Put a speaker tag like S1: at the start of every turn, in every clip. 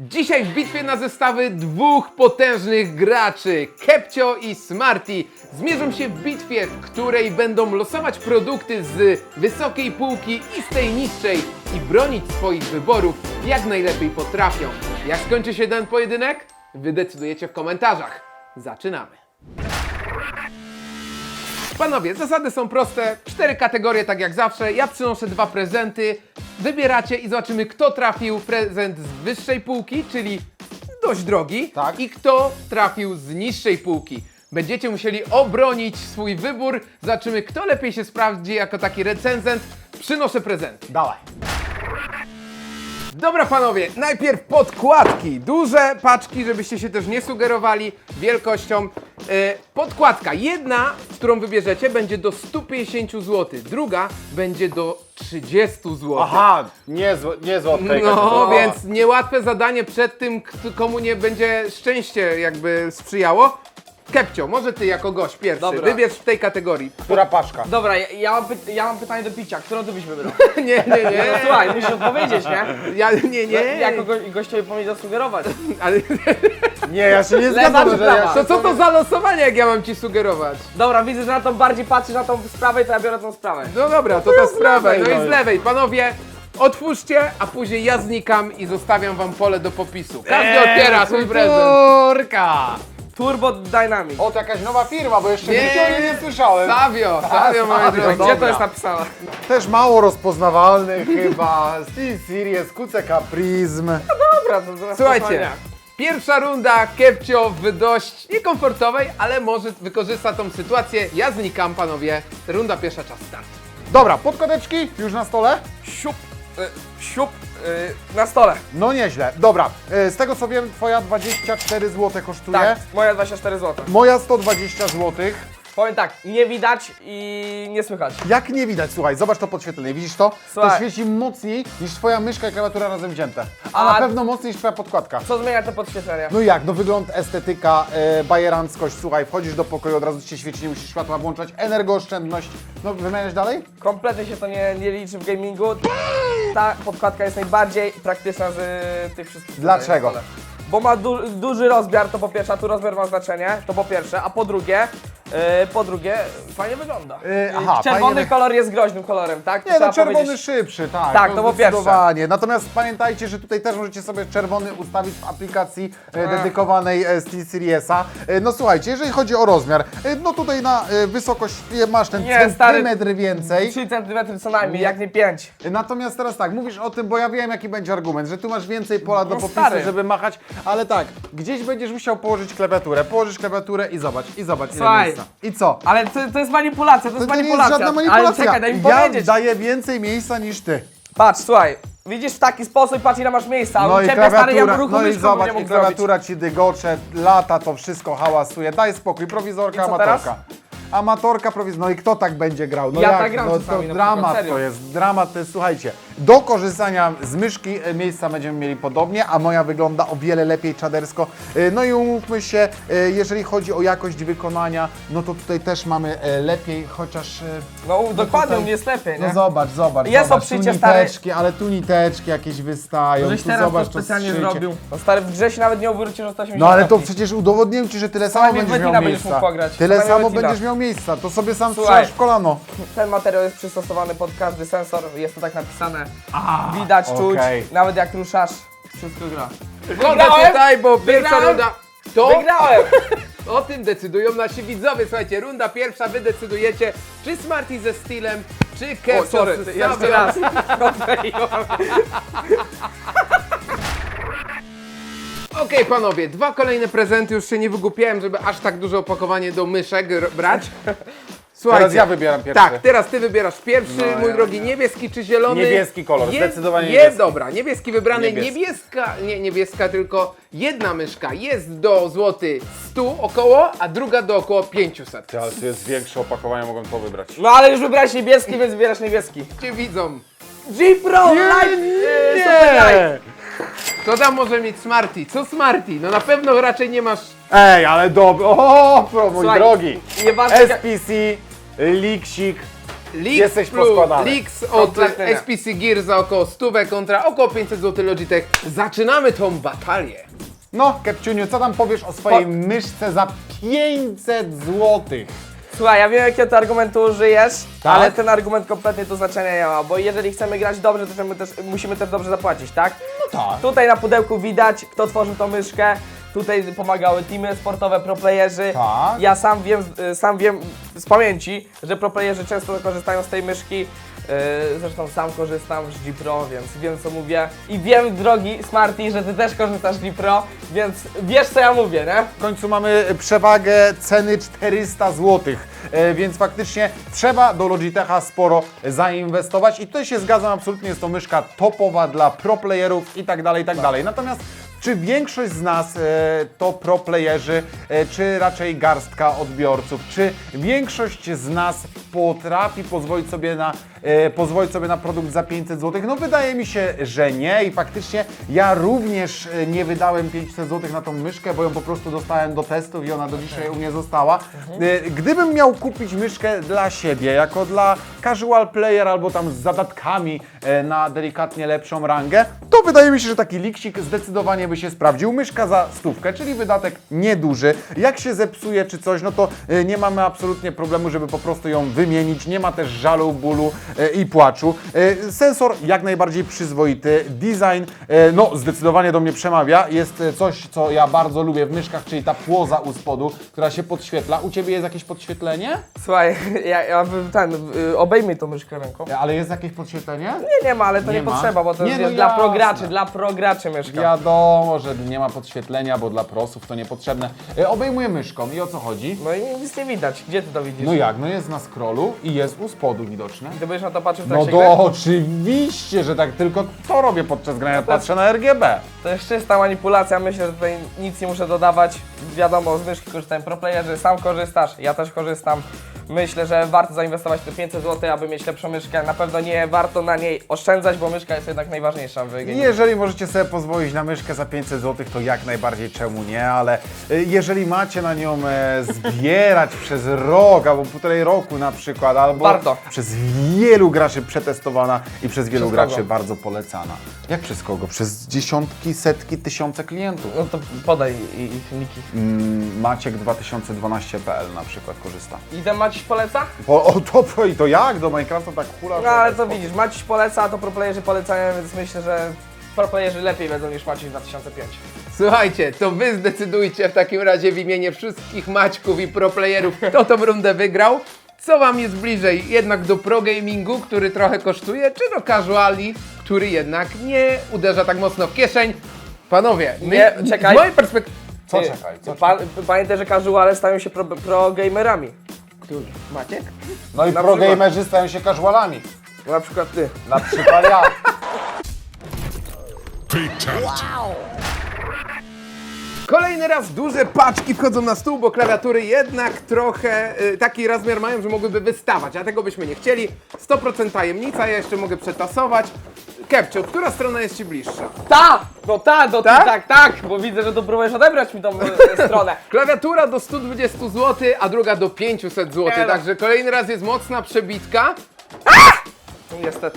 S1: Dzisiaj w bitwie na zestawy dwóch potężnych graczy, Kepcio i Smarty, zmierzą się w bitwie, w której będą losować produkty z wysokiej półki i z tej niższej i bronić swoich wyborów jak najlepiej potrafią. Jak skończy się ten pojedynek? Wy decydujecie w komentarzach. Zaczynamy. Panowie, zasady są proste. 4 kategorie, tak jak zawsze. Ja przynoszę 2 prezenty. Wybieracie i zobaczymy, kto trafił prezent z wyższej półki, czyli dość drogi,
S2: Tak.
S1: i kto trafił z niższej półki. Będziecie musieli obronić swój wybór. Zobaczymy, kto lepiej się sprawdzi jako taki recenzent. Przynoszę prezenty.
S2: Dawaj.
S1: Dobra panowie, najpierw podkładki. Duże paczki, żebyście się też nie sugerowali wielkością. Podkładka jedna, którą wybierzecie, będzie do 150 zł. Druga będzie do 30 zł.
S2: Aha, nie złotka.
S1: No, więc niełatwe zadanie przed tym, komu nie będzie szczęście jakby sprzyjało. Kepcio, może ty jako gość pierwszy,
S3: Dobra.
S1: wybierz w tej kategorii.
S2: Która paczka?
S3: Dobra, ja mam pytanie do picia. Którą ty byś wybrał?
S1: Nie.
S3: No słuchaj, musisz odpowiedzieć, nie?
S1: Ja, nie.
S3: Jako gościowi powinien zasugerować.
S1: Ale,
S2: Nie, ja się nie
S3: Lewa
S2: zgadzam,
S3: czy
S2: że ja
S3: prawa?
S1: to co to za losowanie, jak ja mam ci sugerować?
S3: Dobra, widzę, że na tą bardziej patrzysz na tą sprawę, to ja biorę tą sprawę.
S1: No dobra, to ta sprawa.
S2: lewej,
S1: No i
S2: no.
S1: z lewej. Panowie, otwórzcie, a później ja znikam i zostawiam wam pole do popisu. Każdy otwiera swój prezent.
S2: Turka!
S3: Turbo Dynamic.
S2: O, to jakaś nowa firma, bo jeszcze
S1: Nie.
S2: nie słyszałem.
S1: Savio, moi
S2: Savio,
S1: drodzy.
S3: Gdzie
S2: dobra.
S3: to jest napisane?
S2: Też mało rozpoznawalny chyba. Steel Series, QCK Prism.
S3: Dobra, to zaraz
S1: Słuchajcie, pierwsza runda, Kepcio w dość niekomfortowej, ale może wykorzysta tą sytuację. Ja znikam, panowie. Runda pierwsza, czas start.
S2: Dobra, podkładeczki już na stole?
S3: Siup, na stole.
S2: No nieźle. Dobra, z tego co wiem, twoja 24 zł kosztuje.
S3: Tak, moja 24 zł.
S2: Moja 120 zł.
S3: Powiem tak, nie widać i nie słychać.
S2: Jak nie widać, słuchaj, zobacz to podświetlenie, widzisz to? To
S3: Słuchaj.
S2: świeci mocniej niż twoja myszka i klawiatura razem wzięte. A
S3: A-
S2: na pewno mocniej niż twoja podkładka.
S3: Co zmienia te podświetlenia?
S2: No jak? No wygląd, estetyka, bajeranckość, słuchaj, wchodzisz do pokoju, od razu ci się świeci, nie musisz światła włączać, energooszczędność. No wymieniasz dalej?
S3: Kompletnie się to nie liczy w gamingu. Ta podkładka jest najbardziej praktyczna z tych wszystkich. tutaj
S2: Dlaczego?
S3: na stole. Bo ma duży rozmiar, to po pierwsze, a tu rozmiar ma znaczenie, to po pierwsze, a po drugie fajnie wygląda.
S2: aha,
S3: Czerwony
S2: fajnie
S3: kolor jest groźnym kolorem, tak? To
S2: Nie, no
S3: trzeba
S2: czerwony
S3: powiedzieć.
S2: szybszy, tak.
S3: Tak, to po pierwsze.
S2: zdecydowanie. Natomiast pamiętajcie, że tutaj też możecie sobie czerwony ustawić w aplikacji dedykowanej SteelSeriesa. No słuchajcie, jeżeli chodzi o rozmiar, no tutaj na wysokość masz ten
S3: Nie, stary.
S2: centymetr więcej.
S3: 3 cm co najmniej, jak nie 5.
S2: Natomiast teraz tak, mówisz o tym, bo ja wiem jaki będzie argument, że tu masz więcej pola do
S3: No
S2: popisu,
S3: stary.
S2: żeby machać, ale tak, gdzieś będziesz musiał położyć klawiaturę, położysz klawiaturę i zobacz ile
S3: Słuchaj.
S2: miejsca. I co?
S3: Ale to jest manipulacja, to jest
S2: To nie jest
S3: manipulacja.
S2: żadna manipulacja.
S3: Ale czekaj, daj mi
S2: Ja
S3: powiedzieć.
S2: daję więcej miejsca niż ty.
S3: Patrz, słuchaj, widzisz w taki sposób, patrz ile masz miejsca, a
S2: No
S3: u
S2: i
S3: ciebie stary, ja
S2: klawiatura,
S3: ruchu
S2: no i
S3: myszką
S2: zobacz,
S3: nie
S2: i
S3: mógł zrobić.
S2: klawiatura ci dygocze, lata, to wszystko hałasuje, daj spokój, prowizorka,
S3: I co
S2: amatorka.
S3: teraz?
S2: Amatorka, no i kto tak będzie grał? No
S3: Ja
S2: jak?
S3: tak gram
S2: No
S3: czasami,
S2: to
S3: na
S2: dramat
S3: przykład, serio.
S2: to jest, dramat to jest, słuchajcie, do korzystania z myszki miejsca będziemy mieli podobnie, a moja wygląda o wiele lepiej czadersko. No i umówmy się, jeżeli chodzi o jakość wykonania, no to tutaj też mamy lepiej, chociaż...
S3: No dokładnie,
S2: tutaj-
S3: u mnie jest lepiej, nie?
S2: No zobacz,
S3: Jest
S2: zobacz,
S3: obszycie,
S2: tu
S3: stary.
S2: niteczki, ale tu niteczki jakieś wystają,
S3: Żeś
S2: tu
S3: teraz
S2: zobacz
S3: to specjalnie
S2: zszycie.
S3: zrobił. No stary, w grze się nawet nie obrócił, że 180
S2: No ale to
S3: stopni.
S2: przecież udowodniłem ci, że tyle samo
S3: najmniej
S2: będziesz
S3: Wettina
S2: miał
S3: będziesz
S2: miejsca.
S3: mógł pograć.
S2: Tyle
S3: Co najmniej
S2: samo
S3: Wettina.
S2: będziesz miał miejsca, to sobie sam
S3: Słuchaj.
S2: strzelasz w kolano.
S3: Ten materiał jest przystosowany pod każdy sensor, jest to tak napisane. Widać, czuć,
S2: okej.
S3: nawet jak ruszasz, wszystko gra.
S1: Wchodzę tutaj, bo pierwsza
S3: Wygrałem.
S1: runda... To
S3: Wygrałem!
S1: o tym decydują nasi widzowie. Słuchajcie, runda pierwsza, wy decydujecie, czy Smarty ze Steelem, czy Kepcio
S3: sorry,
S1: z
S3: jeszcze
S1: Savio.
S3: raz.
S1: Okej, panowie, 2 kolejne prezenty, już się nie wygłupiałem, żeby aż tak duże opakowanie do myszek brać. Słuchajcie,
S2: Teraz ja wybieram pierwszy.
S1: Tak, teraz ty wybierasz pierwszy,
S2: No,
S1: mój
S2: ja-
S1: drogi, niebieski czy zielony?
S2: Niebieski kolor, zdecydowanie niebieski.
S1: Dobra, niebieski wybrany,
S2: Niebieski.
S1: niebieska, tylko jedna myszka jest do złoty 100 około, a druga do około 500.
S2: Ale to jest większe opakowanie, mogłem to wybrać.
S3: No ale już wybrałeś niebieski, więc wybierasz niebieski.
S1: Cię widzą.
S3: G-Pro Live Super Live!
S1: Co tam może mieć Smarty? Co Smarty? No na pewno raczej nie masz...
S2: Ej, ale dobry, o, mój
S3: Słuchaj,
S2: drogi.
S3: nieważne jak-
S2: SPC, Liksik,
S1: Lix
S2: Jesteś
S1: plus
S2: poskładany.
S1: Lix od
S3: Kompletnie nie.
S1: SPC Gear za około 100 kontra około 500 zł Logitech. Zaczynamy tą batalię.
S2: No, Kepciuniu, co tam powiesz o swojej myszce za 500 złotych?
S3: Słuchaj, ja wiem jakiego ty argumentu użyjesz,
S2: Tak?
S3: ale ten argument kompletnie tu znaczenia nie ma, bo jeżeli chcemy grać dobrze, to musimy też dobrze zapłacić, tak?
S2: No tak.
S3: Tutaj na pudełku widać, kto tworzył tą myszkę. Tutaj pomagały teamy sportowe, proplayerzy.
S2: Tak.
S3: Ja sam wiem z pamięci, że proplayerzy często korzystają z tej myszki. Zresztą sam korzystam z G Pro, więc wiem co mówię. I wiem, drogi Smarty, że ty też korzystasz z G Pro, więc wiesz co ja mówię, nie?
S2: W końcu mamy przewagę ceny 400 zł, więc faktycznie trzeba do Logitecha sporo zainwestować i tutaj się zgadzam absolutnie, jest to myszka topowa dla pro playerów i tak dalej, i tak dalej. Natomiast czy większość z nas to pro playerzy, czy raczej garstka odbiorców, czy większość z nas potrafi pozwolić sobie na produkt za 500 zł? No wydaje mi się, że nie i faktycznie ja również nie wydałem 500 zł na tą myszkę, bo ją po prostu dostałem do testów i ona do dzisiaj u mnie została. Gdybym miał kupić myszkę dla siebie, jako dla casual player albo tam z zadatkami na delikatnie lepszą rangę, to wydaje mi się, że taki liksik zdecydowanie by się sprawdził. Myszka za 100, czyli wydatek nieduży. Jak się zepsuje czy coś, no to nie mamy absolutnie problemu, żeby po prostu ją wymienić. Nie ma też żalu, bólu i płaczu. Sensor jak najbardziej przyzwoity. Design, no zdecydowanie do mnie przemawia. Jest coś, co ja bardzo lubię w myszkach, czyli ta płoza u spodu, która się podświetla. U Ciebie jest jakieś podświetlenie?
S3: Słuchaj, obejmij tą myszkę ręką.
S2: Ale jest jakieś podświetlenie?
S3: Nie ma, ale to
S2: Nie
S3: nie
S2: ma?
S3: potrzeba, bo to
S2: Nie,
S3: jest
S2: no
S3: dla
S2: jasne.
S3: prograczy, dla prograczy myszka.
S2: Wiadomo, że nie ma podświetlenia, bo dla prosów to niepotrzebne. Obejmuję myszką i o co chodzi?
S3: No i nic nie widać. Gdzie ty to widzisz?
S2: No jak? No jest na scrollu i jest u spodu widoczne.
S3: Ty będziesz na to patrzył w
S2: No
S3: trakcie
S2: to
S3: gry?
S2: oczywiście, że tak, tylko to robię podczas grania, patrzę na RGB.
S3: To jest czysta manipulacja, myślę, że tutaj nic nie muszę dodawać. Wiadomo, z myszki korzystają proplayerzy, sam korzystasz, ja też korzystam. Myślę, że warto zainwestować te 500 zł, aby mieć lepszą myszkę. Na pewno nie warto na niej oszczędzać, bo myszka jest jednak najważniejsza w gaming.
S2: Jeżeli możecie sobie pozwolić na myszkę za 500 zł, to jak najbardziej czemu nie, ale jeżeli macie na nią zbierać przez rok albo półtorej roku na przykład, albo
S3: Warto.
S2: przez wielu graczy przetestowana i przez wielu
S3: Przez
S2: graczy
S3: kogo?
S2: bardzo polecana. Jak przez kogo? Przez dziesiątki, setki, tysiące klientów.
S3: No to podaj ich niki.
S2: Maciek2012.pl na przykład korzysta.
S3: I ten Maciś poleca?
S2: I to jak? Do Minecrafta tak hula?
S3: No ale to widzisz, Maciś poleca, to proplayerzy polecają, więc myślę, że proplayerzy lepiej wiedzą niż Maciś 2005.
S1: Słuchajcie, to wy zdecydujcie w takim razie w imieniu wszystkich Maćków i proplayerów, kto tą rundę wygrał. Co wam jest bliżej? Jednak do pro gamingu, który trochę kosztuje, czy do casuali, który jednak nie uderza tak mocno w kieszeń? Panowie,
S3: Nie, czekaj.
S1: z mojej perspektywy...
S2: Co
S3: Ty,
S2: czekaj? Co
S3: Pamiętaj, że casuale stają się pro gamerami.
S1: Który? Maciek?
S2: No i
S3: Na
S2: pro
S3: przykład.
S2: gamerzy stają się casualami.
S3: Na przykład ty.
S2: Na przykład ja.
S1: Kolejny raz duże paczki wchodzą na stół, bo klawiatury jednak trochę taki rozmiar mają, że mogłyby wystawać, a tego byśmy nie chcieli. 100% tajemnica, ja jeszcze mogę przetasować. Kepcio, która strona jest Ci bliższa?
S3: Ta! No ta, no
S1: Tak?
S3: tak, bo widzę, że tu próbujesz odebrać mi tą stronę.
S1: Klawiatura do 120 zł, a druga do 500 zł,
S3: Nie no.
S1: także kolejny raz jest mocna przebitka.
S3: Niestety.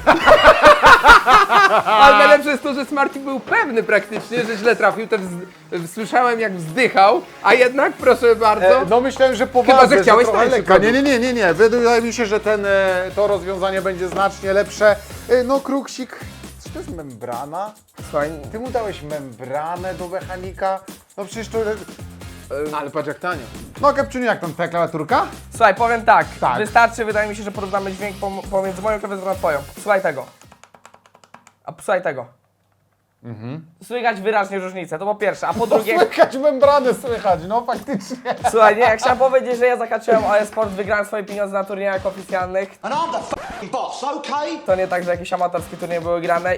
S1: Ale najlepsze jest to, że Smarty był pewny praktycznie, że źle trafił, słyszałem jak wzdychał, a jednak proszę bardzo.
S2: No myślałem, że
S1: Chyba,
S2: poważnie,
S1: że chciałeś
S2: trochę
S1: tańszy
S2: lekko.
S1: produkt.
S2: Nie. Wydaje mi się, że to rozwiązanie będzie znacznie lepsze. No Kruksik, czy to jest membrana?
S3: Słuchaj,
S2: Ty mu dałeś membranę do mechanika? No przecież to...
S1: Ale patrz jak tanio.
S2: No Kepciuniu, jak tam twoja klawiaturka?
S3: słuchaj, powiem tak.
S2: Tak.
S3: Wystarczy, wydaje mi się, że porównamy dźwięk pomiędzy moją klawiaturą a twoją. Słuchaj tego. A słuchaj tego. Słychać wyraźnie różnicę, to po pierwsze, a po drugie...
S2: Słychać membranę, słychać, no faktycznie.
S3: Słuchaj, nie, chciałem powiedzieć, że ja zahaczyłem o e-sport, wygrałem swoje pieniądze na turniejach oficjalnych.
S4: And I'm the f***ing boss, okay?
S3: To nie tak, że jakieś amatorskie turnieje były grane.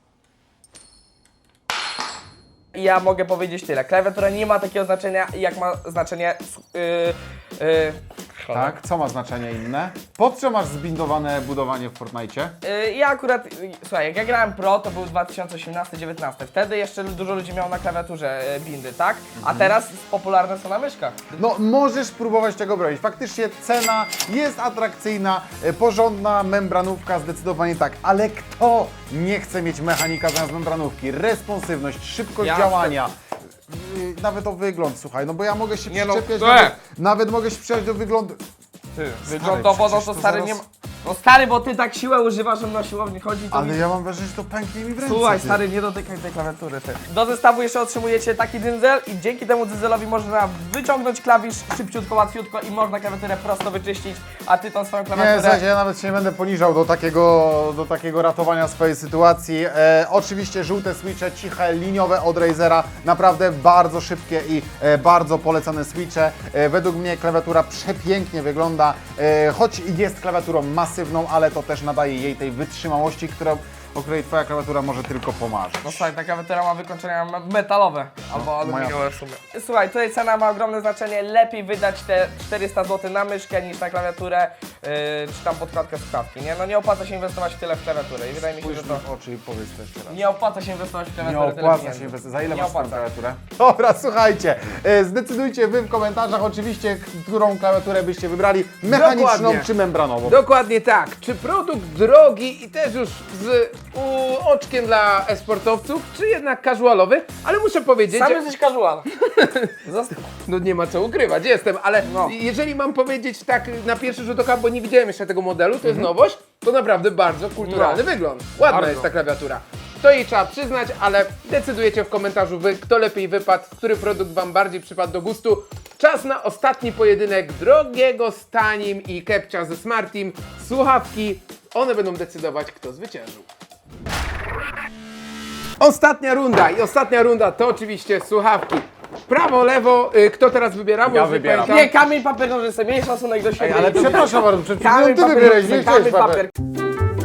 S3: I ja mogę powiedzieć tyle. Klawiatura nie ma takiego znaczenia, jak ma znaczenie szkolne.
S2: Tak? Co ma znaczenie inne? Pod co masz zbindowane budowanie w Fortnite?
S3: Ja akurat, słuchaj, jak ja grałem pro, to był 2018-19. Wtedy jeszcze dużo ludzi miało na klawiaturze bindy, tak? A teraz popularne są na myszkach.
S2: No, możesz próbować tego bronić. Faktycznie cena jest atrakcyjna, porządna membranówka, zdecydowanie tak. Ale kto nie chce mieć mechanika zamiast membranówki? Responsywność, szybkość
S3: Jasne.
S2: działania. Nawet o wygląd, słuchaj, no bo ja mogę się
S3: Nie no,
S2: przyczepiać,
S3: te.
S2: nawet mogę się przyczepiać do wyglądu.
S3: Wyglądowo, no
S2: przecież
S3: to
S2: to
S3: stary
S2: zaraz-
S3: nie ma... No stary, bo ty tak siłę używasz, żeby na siłowni chodzi, to
S2: Ale ja mam wrażenie, że to pęknie mi w ręce.
S3: Słuchaj,
S2: ty.
S3: stary, nie dotykaj tej klawiatury, ty. Do zestawu jeszcze otrzymujecie taki dzyndzel i dzięki temu dzyndzelowi można wyciągnąć klawisz szybciutko, łatwiutko i można klawiaturę prosto wyczyścić, a ty tą swoją
S2: Nie,
S3: klawiaturę...
S2: słuchajcie, ja nawet się nie będę poniżał do takiego ratowania swojej sytuacji. Oczywiście żółte switche, ciche, liniowe od Razera, naprawdę bardzo szybkie i bardzo polecane switche. Według mnie klawiatura przepięknie wygląda, choć jest klawiaturą masywną, ale to też nadaje jej tej wytrzymałości, o której twoja klawiatura może tylko pomarzyć.
S3: No słuchaj, ta klawiatura ma wykończenia metalowe albo aluminiowe w sumie. Słuchaj, tutaj cena ma ogromne znaczenie, lepiej wydać te 400 zł na myszkę niż na klawiaturę, czy tam podkładkę słuchawki, nie? No nie opłaca się inwestować tyle w klawiaturę i wydaje mi się,
S2: Spójrz
S3: że
S2: mi
S3: to...
S2: w oczy i powiedz to jeszcze raz.
S3: Nie opłaca się inwestować w
S2: Nie
S3: klawiaturę tyle
S2: opłaca
S3: pieniędzy.
S2: się inwestować. Za ile
S3: Nie
S2: masz tą
S3: opłaca.
S2: klawiaturę? Dobra, słuchajcie, zdecydujcie wy w komentarzach oczywiście, którą klawiaturę byście wybrali, mechaniczną
S1: Dokładnie.
S2: czy membranową.
S1: Dokładnie tak. Czy produkt drogi i też już z oczkiem dla esportowców, czy jednak casualowy? Ale muszę powiedzieć,
S3: Sam
S1: że...
S3: jesteś casual.
S1: No nie ma co ukrywać, jestem, ale
S3: No.
S1: jeżeli mam powiedzieć tak na pierwszy rzut oka, bo nie widziałem jeszcze tego modelu, to jest nowość, to naprawdę bardzo kulturalny
S3: No.
S1: wygląd. Ładna
S3: Bardzo.
S1: jest ta klawiatura. To jej trzeba przyznać, ale decydujecie w komentarzu wy, kto lepiej wypadł, który produkt wam bardziej przypadł do gustu. Czas na ostatni pojedynek drogiego z tanim i Kepcia ze Smartim. Słuchawki, one będą decydować, kto zwyciężył. Ostatnia runda to oczywiście słuchawki. Prawo, lewo, kto teraz wybiera? Bo
S2: Ja
S1: już nie
S2: wybieram.
S1: pamiętam.
S3: Nie, kamień, papier, nożyce, miej szacunek do siebie.
S2: Ale przepraszam bardzo, przed chwilą
S3: Kamień,
S2: ty
S3: papier,
S2: wybierałeś, nie
S3: nożyce,
S2: chciałeś
S3: kamień,
S2: papier.
S3: papier.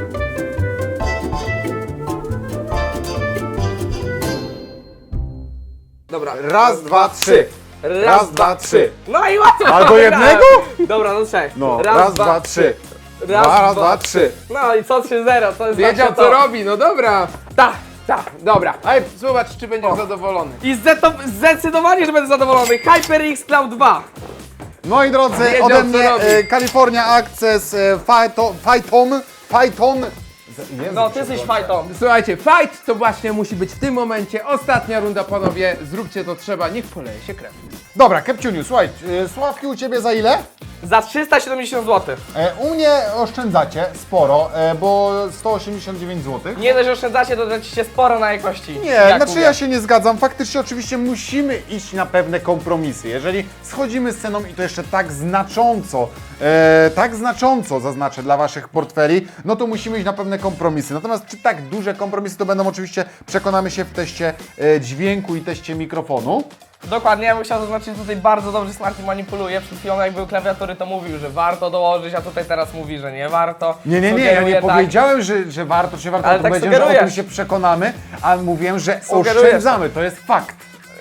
S3: Dobra.
S2: Raz, dwa, trzy. Raz, dwa, trzy.
S3: No i łatwo!
S2: Ale do jednego?
S3: Dobra, no trzech.
S2: No, raz, dwa, trzy. Raz, dwa, trzy.
S3: No i co 3-0, to jest
S1: Wiedział
S3: zawsze
S1: co
S3: to.
S1: robi, no dobra.
S3: Tak.
S1: Dobra, zobacz czy będziesz zadowolony.
S3: I zdecydowanie, że będę zadowolony. HyperX Cloud 2.
S2: Moi drodzy,
S1: Wiedział,
S2: ode
S1: co
S2: mnie
S1: robi.
S2: California Access Phyton.
S3: No, ty jesteś fajtą.
S1: Słuchajcie, fight to właśnie musi być w tym momencie. Ostatnia runda, panowie. Zróbcie to trzeba, niech poleje się krew.
S2: Dobra, Kepciuniu, słuchaj, słuchawki u Ciebie za ile?
S3: Za 370 zł.
S2: U mnie oszczędzacie sporo, bo 189 zł.
S3: Nie dość, że oszczędzacie, to tracicie sporo na jakości.
S2: Nie,
S3: Jak
S2: znaczy
S3: mówię.
S2: ja się nie zgadzam. Faktycznie oczywiście musimy iść na pewne kompromisy. Jeżeli schodzimy z ceną i to jeszcze tak znacząco zaznaczę dla Waszych portfeli, no to musimy iść na pewne kompromisy. Natomiast czy tak duże kompromisy to będą oczywiście, przekonamy się w teście dźwięku i teście mikrofonu.
S3: Dokładnie, ja bym chciał zaznaczyć, tutaj bardzo dobrze Smarty manipuluje. Przed chwilą jak był klawiatury, to mówił, że warto dołożyć, a tutaj teraz mówi, że nie warto.
S2: Nie, ja
S3: Sugeruje
S2: nie
S3: tak.
S2: powiedziałem, że warto, czy warto,
S3: Ale
S2: to
S3: tak
S2: powiedziałem, że o tym
S3: sugerujesz.
S2: się przekonamy, a mówiłem, że
S3: Sugerujesz.
S2: oszczędzamy, to jest fakt.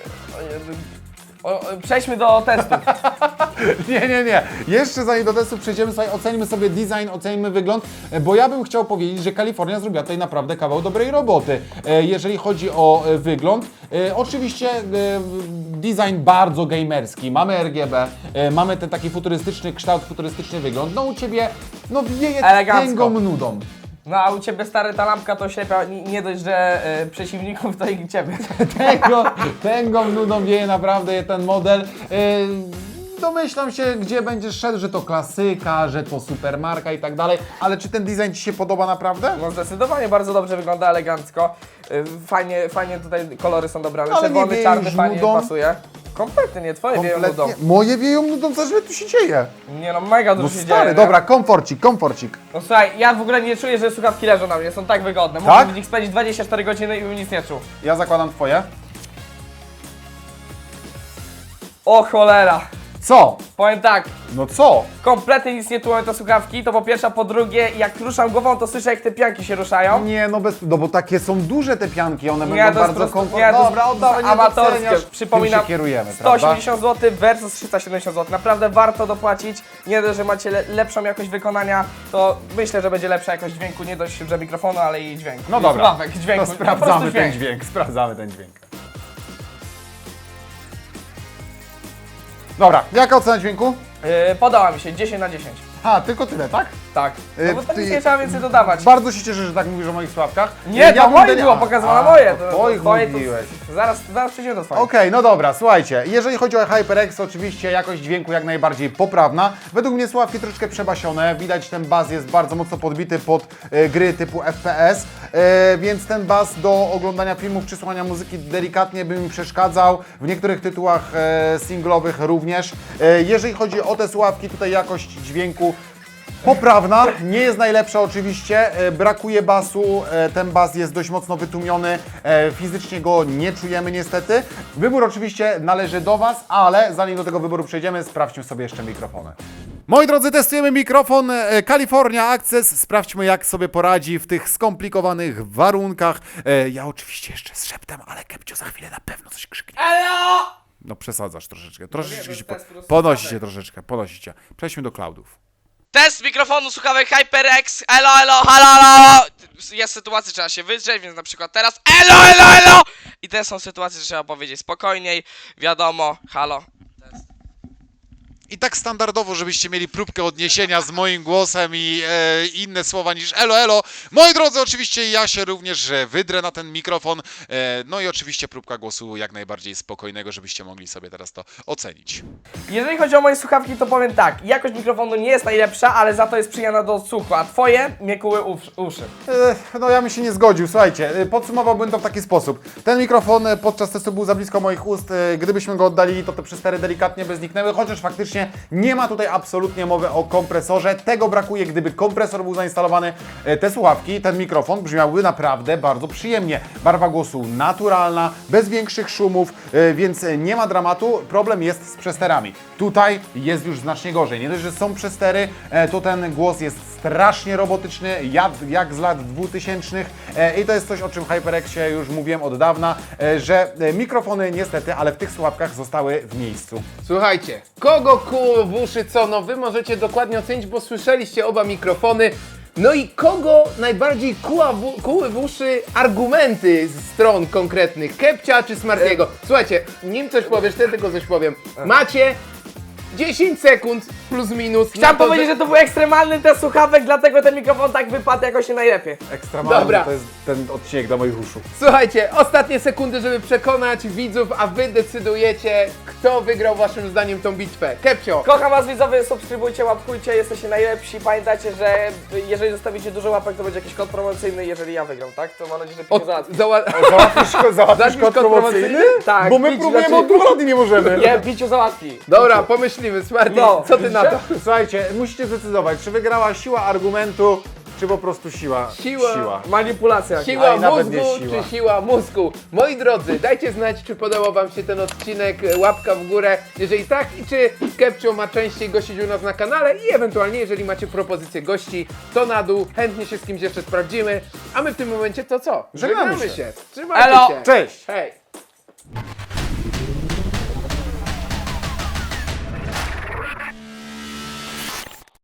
S3: Przejdźmy do testu.
S2: Nie. Jeszcze zanim do testu przejdziemy, sobie ocenimy sobie design, ocenimy wygląd, bo ja bym chciał powiedzieć, że Kalifornia zrobiła tutaj naprawdę kawał dobrej roboty, jeżeli chodzi o wygląd. Oczywiście design bardzo gamerski, mamy RGB, mamy ten taki futurystyczny kształt, futurystyczny wygląd. No u Ciebie, no wieje
S3: Elegancko.
S2: tęgą nudą.
S3: No a u Ciebie stary ta lampka to ślepia, nie dość, że przeciwników, to i Ciebie.
S2: Tęgą nudą wieje naprawdę ten model. Domyślam się, gdzie będziesz szedł, że to klasyka, że to supermarka i tak dalej, ale czy ten design Ci się podoba naprawdę?
S3: No zdecydowanie bardzo dobrze wygląda, elegancko. Fajnie tutaj kolory są dobrane.
S2: Ale nie
S3: Czerwony,
S2: wieje
S3: czarny
S2: już
S3: fajnie
S2: nudą?
S3: pasuje. Kompletnie nie, twoje wieją nudą.
S2: Kompletnie. Moje wieją nudą, co tu się dzieje?
S3: Nie no, mega dużo
S2: No
S3: się
S2: stary,
S3: dzieje.
S2: dobra, komforcik.
S3: No słuchaj, ja w ogóle nie czuję, że słuchawki leżą na mnie, są tak wygodne.
S2: Tak?
S3: Mógłbym w nich spędzić 24 godziny i bym nic nie czuł.
S2: Ja zakładam twoje.
S3: O cholera!
S2: Co?
S3: Powiem tak,
S2: No co?
S3: kompletnie nic nie tłumią te słuchawki, to po pierwsze, a po drugie, jak ruszam głową, to słyszę, jak te pianki się ruszają.
S2: Nie, no bo takie są duże te pianki, one
S3: Nie,
S2: będą
S3: to jest
S2: bardzo
S3: prosto,
S2: komfortowe.
S3: nie, to
S2: Dobra,
S3: jest
S2: oddawaj, nie
S3: amatorskie.
S2: doceniasz.
S3: Przypominam,
S2: Tym się kierujemy, prawda?
S3: 180 zł versus 370 zł. Naprawdę warto dopłacić. Nie dość, że macie lepszą jakość wykonania, to myślę, że będzie lepsza jakość dźwięku, nie dość, że mikrofonu, ale i dźwięku.
S2: No
S3: I
S2: dobra,
S3: słuchawek, dźwięku.
S2: to
S3: po prostu
S2: sprawdzamy ten dźwięk, sprawdzamy ten dźwięk. Dobra, jaka ocena dźwięku?
S3: Podoba mi się, 10 na 10.
S2: A, tylko tyle, tak?
S3: Tak. No bo tak
S2: ty-
S3: nie trzeba więcej dodawać.
S2: Bardzo się cieszę, że tak mówisz o moich słuchawkach.
S3: Nie, to
S2: bym
S3: moje
S2: deli-
S3: było pokazywane,
S2: A,
S3: moje.
S2: to twoich
S3: twoje
S2: mówiłeś.
S3: Zaraz przejdziemy do twoich.
S2: Okej, no dobra, słuchajcie, jeżeli chodzi o HyperX, oczywiście jakość dźwięku jak najbardziej poprawna. Według mnie słuchawki troszeczkę przebasione, widać ten bas jest bardzo mocno podbity pod gry typu FPS, więc ten bas do oglądania filmów czy słuchania muzyki delikatnie by mi przeszkadzał, w niektórych tytułach singlowych również. Jeżeli chodzi o te słuchawki, tutaj jakość dźwięku poprawna, nie jest najlepsza oczywiście, brakuje basu, ten bas jest dość mocno wytłumiony, fizycznie go nie czujemy niestety. Wybór oczywiście należy do Was, ale zanim do tego wyboru przejdziemy, sprawdźmy sobie jeszcze mikrofony. Moi drodzy, testujemy mikrofon California Access, sprawdźmy jak sobie poradzi w tych skomplikowanych warunkach. Ja oczywiście jeszcze z szeptem, ale Kepcio za chwilę na pewno coś krzyknie.
S3: Elo!
S2: No przesadzasz troszeczkę, troszeczkę
S3: to
S2: się
S3: jest po prostu
S2: podnosicie troszeczkę, podnosicie. Przejdźmy do cloudów.
S5: Test mikrofonu słuchawek HyperX, elo, halo, halo. Jest sytuacja, trzeba się wydrzeć, więc na przykład teraz elo. I te są sytuacje, że trzeba powiedzieć spokojniej, wiadomo, halo.
S6: I tak standardowo, żebyście mieli próbkę odniesienia z moim głosem i inne słowa niż elo. Moi drodzy, oczywiście ja się również wydrę na ten mikrofon. No i oczywiście próbka głosu jak najbardziej spokojnego, żebyście mogli sobie teraz to ocenić.
S3: Jeżeli chodzi o moje słuchawki, to powiem tak, jakość mikrofonu nie jest najlepsza, ale za to jest przyjemna do odsłuchu, a twoje mnie kuły uszy.
S2: No ja bym się nie zgodził, słuchajcie, podsumowałbym to w taki sposób. Ten mikrofon podczas testu był za blisko moich ust, gdybyśmy go oddalili, to te przestery delikatnie by zniknęły, chociaż faktycznie nie ma tutaj absolutnie mowy o kompresorze. Tego brakuje, gdyby kompresor był zainstalowany. Te słuchawki, ten mikrofon brzmiałby naprawdę bardzo przyjemnie. Barwa głosu naturalna, bez większych szumów, więc nie ma dramatu. Problem jest z przesterami. Tutaj jest już znacznie gorzej. Nie dość, że są przestery, to ten głos jest strasznie robotyczny, jak z lat 2000 i to jest coś, o czym w HyperXie już mówiłem od dawna, że mikrofony niestety, ale w tych słuchawkach zostały w miejscu.
S1: Słuchajcie, kogo kuło w uszy co? No wy możecie dokładnie ocenić, bo słyszeliście oba mikrofony. No i kogo najbardziej kuły w uszy argumenty z stron konkretnych? Kepcia czy Smartiego? Słuchajcie, nim coś powiesz, ty tylko coś powiem. Macie 10 sekund plus minus.
S3: Chciałem powiedzieć, że to był ekstremalny test słuchawek, dlatego ten mikrofon tak wypadł jakoś nie najlepiej.
S2: Ekstremalny
S1: Dobra.
S2: to jest ten odcinek do moich uszu.
S1: Słuchajcie, ostatnie sekundy, żeby przekonać widzów, a wy decydujecie, kto wygrał waszym zdaniem tą bitwę. Kepcio!
S3: Kocham was widzowie, subskrybujcie, łapkujcie, jesteście najlepsi. Pamiętajcie, że jeżeli zostawicie dużo łapek, to będzie jakiś kod promocyjny, jeżeli ja wygram, tak? To mam nadzieję, że Piotr załatwi.
S2: Załatwisz kod promocyjny?
S3: Tak,
S2: Bo my
S3: bić
S2: próbujemy
S3: znaczy-
S2: od 2 lat i nie możemy.
S3: Nie, Biciu załatwi.
S1: Dobra, pomyślimy, Smarty,
S3: No,
S1: co ty na to?
S2: Słuchajcie, musicie zdecydować, czy wygrała siła argumentu, czy po prostu siła.
S3: Manipulacja.
S1: Siła
S2: Aj, nawet
S1: mózgu
S2: nie siła.
S1: czy siła mózgu? Moi drodzy, dajcie znać, czy podobał wam się ten odcinek, łapka w górę, jeżeli tak, i czy Kepcio ma częściej gościć u nas na kanale i ewentualnie, jeżeli macie propozycje gości, to na dół, chętnie się z kimś jeszcze sprawdzimy, a my w tym momencie to co?
S2: Żegnamy się.
S1: Trzymajcie
S3: Elo.
S1: się!
S2: Cześć!
S1: Hej!